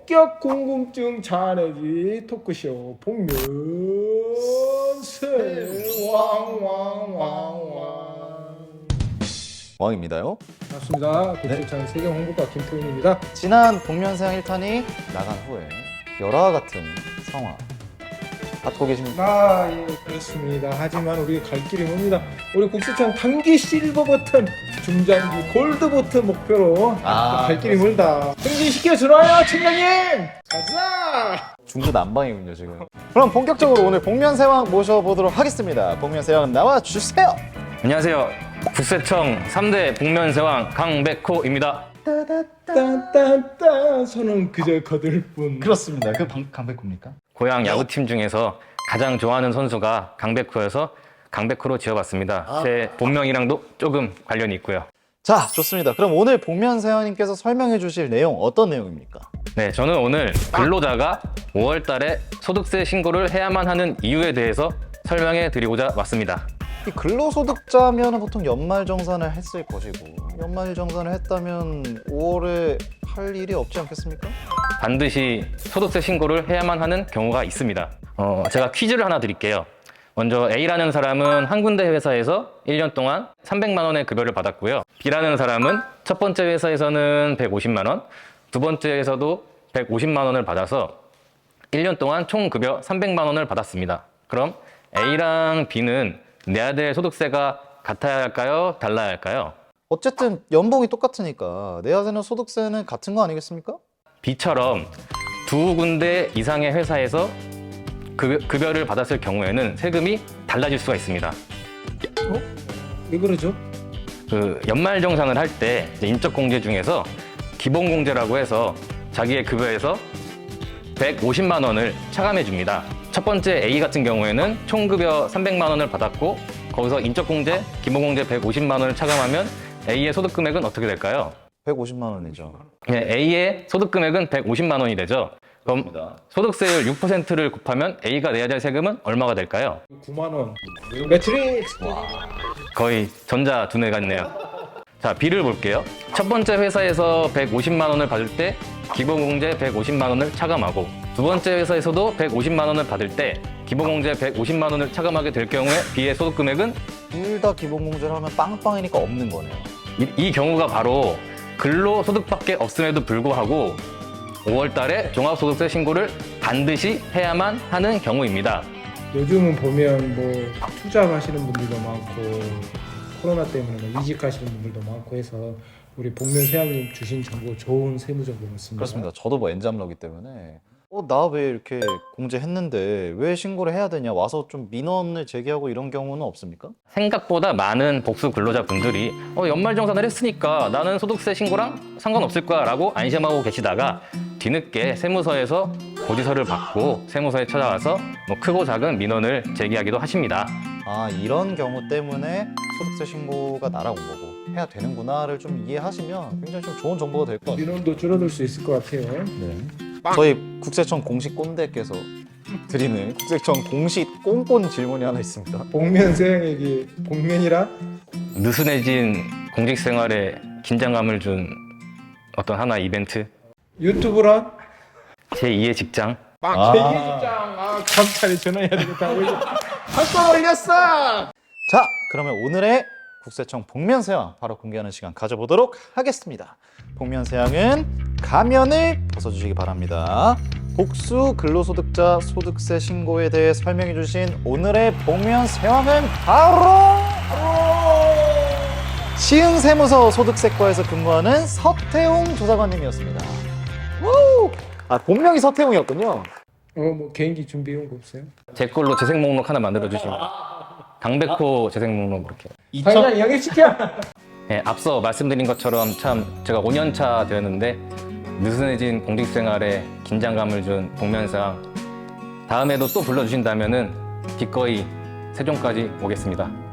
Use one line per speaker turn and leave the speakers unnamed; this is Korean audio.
본격 궁금증 자아내기 토크쇼 복면세 왕왕왕왕.
왕입니다요.
맞습니다. 국제창 세경 홍보과 김태훈입니다.
지난 복면세왕 1탄이 나간 후에 열화와 같은 성화 받고 계십니까?
예, 그렇습니다. 하지만 우리 갈 길이 멉니다. 우리 국세청 단기 실버 버튼, 중장기 골드 버튼 목표로 갈 길이 멀다. 승진시켜 주나요, 청장님? 가자!
중구 난방이군요 지금. 그럼 본격적으로 오늘 복면세왕 모셔보도록 하겠습니다. 복면세왕 나와주세요.
안녕하세요. 국세청 3대 복면세왕 강백호입니다.
따따따따 손은 그저 거들 뿐.
그렇습니다. 그 강백호입니까?
고향 야구팀 중에서 가장 좋아하는 선수가 강백호여서 강백호로 지어봤습니다. 제 본명이랑도 조금 관련이 있고요.
자, 좋습니다. 그럼 오늘 복면세왕님께서 설명해 주실 내용 어떤 내용입니까?
네, 저는 오늘 근로자가 5월 달에 소득세 신고를 해야만 하는 이유에 대해서 설명해 드리고자 왔습니다.
이 근로소득자면 보통 연말정산을 했을 것이고 연말정산을 했다면 5월에 할 일이 없지 않겠습니까?
반드시 소득세 신고를 해야만 하는 경우가 있습니다. 제가 퀴즈를 하나 드릴게요. 먼저 A라는 사람은 한 군데 회사에서 1년 동안 300만 원의 급여를 받았고요. B라는 사람은 첫 번째 회사에서는 150만 원, 두 번째에서도 150만 원을 받아서 1년 동안 총 급여 300만 원을 받았습니다. 그럼 A랑 B는 내야 될 소득세가 같아야 할까요? 달라야 할까요?
어쨌든 연봉이 똑같으니까 내야 되는 소득세는 같은 거 아니겠습니까?
B처럼 두 군데 이상의 회사에서 급여를 받았을 경우에는 세금이 달라질 수가 있습니다.
왜 그러죠?
그 연말정산을 할 때 인적공제 중에서 기본공제라고 해서 자기의 급여에서 150만 원을 차감해 줍니다. 첫 번째 A 같은 경우에는 총급여 300만 원을 받았고 거기서 인적공제, 기본공제 150만 원을 차감하면 A의 소득금액은 어떻게 될까요?
150만 원이죠.
네, A의 소득금액은 150만 원이 되죠. 그럼 소득세율 6%를 곱하면 A가 내야 될 세금은 얼마가 될까요?
9만 원. 매트릭스.
거의 전자 두뇌 같네요. 자, B를 볼게요. 첫 번째 회사에서 150만 원을 받을 때 기본공제 150만 원을 차감하고 두 번째 회사에서도 150만 원을 받을 때 기본공제 150만 원을 차감하게 될 경우에 B의 소득금액은
둘 다 기본공제를 하면 빵빵이니까 없는 거네요.
이 경우가 바로 근로소득밖에 없음에도 불구하고 5월 달에 종합소득세 신고를 반드시 해야만 하는 경우입니다.
요즘은 보면 뭐 투잡하시는 분들도 많고 코로나 때문에 뭐 이직하시는 분들도 많고 해서 우리 복면세왕님 주신 정보 좋은 세무 정보였습니다.
그렇습니다. 저도 뭐 엔잡러기 때문에 나 왜 이렇게 공제했는데 왜 신고를 해야 되냐 와서 좀 민원을 제기하고 이런 경우는 없습니까?
생각보다 많은 복수 근로자분들이 연말정산을 했으니까 나는 소득세 신고랑 상관없을 거야 라고 안심하고 계시다가 뒤늦게 세무서에서 고지서를 받고 세무서에 찾아와서 뭐 크고 작은 민원을 제기하기도 하십니다.
아, 이런 경우 때문에 소득세 신고가 날아온 거고 해야 되는구나를 좀 이해하시면 굉장히 좀 좋은 정보가 될 것 같아요.
민원도 줄어들 수 있을 것 같아요.
네. 저희 국세청 공식 꼰대께서 드리는 국세청 공식 꼰꼰 질문이 하나 있습니다.
복면세왕에게 복면이라
느슨해진 공직생활에 긴장감을 준 어떤 하나의 이벤트?
유튜브란
제2의 직장?
제2직장 검찰에 전화해야 되겠다. 한번 올렸어.
자, 그러면 오늘의 국세청 복면세왕 바로 공개하는 시간 가져보도록 하겠습니다. 복면세왕은 가면을 벗어주시기 바랍니다. 복수 근로소득자 소득세 신고에 대해 설명해 주신 오늘의 복면세왕은 바로 시흥세무서 소득세과에서 근무하는 서태웅 조사관님이었습니다. 우! 아, 본명이 서태웅이었군요.
뭐 개인기 준비해온 거 없어요?
제 걸로 재생 목록 하나 만들어주시면 강백호 재생 목록 이렇게.
당장 영입시켜.
네, 앞서 말씀드린 것처럼 참 제가 5년 차 되었는데 느슨해진 공직생활에 긴장감을 준 복면세왕 다음에도 또 불러주신다면은 기꺼이 세종까지 오겠습니다.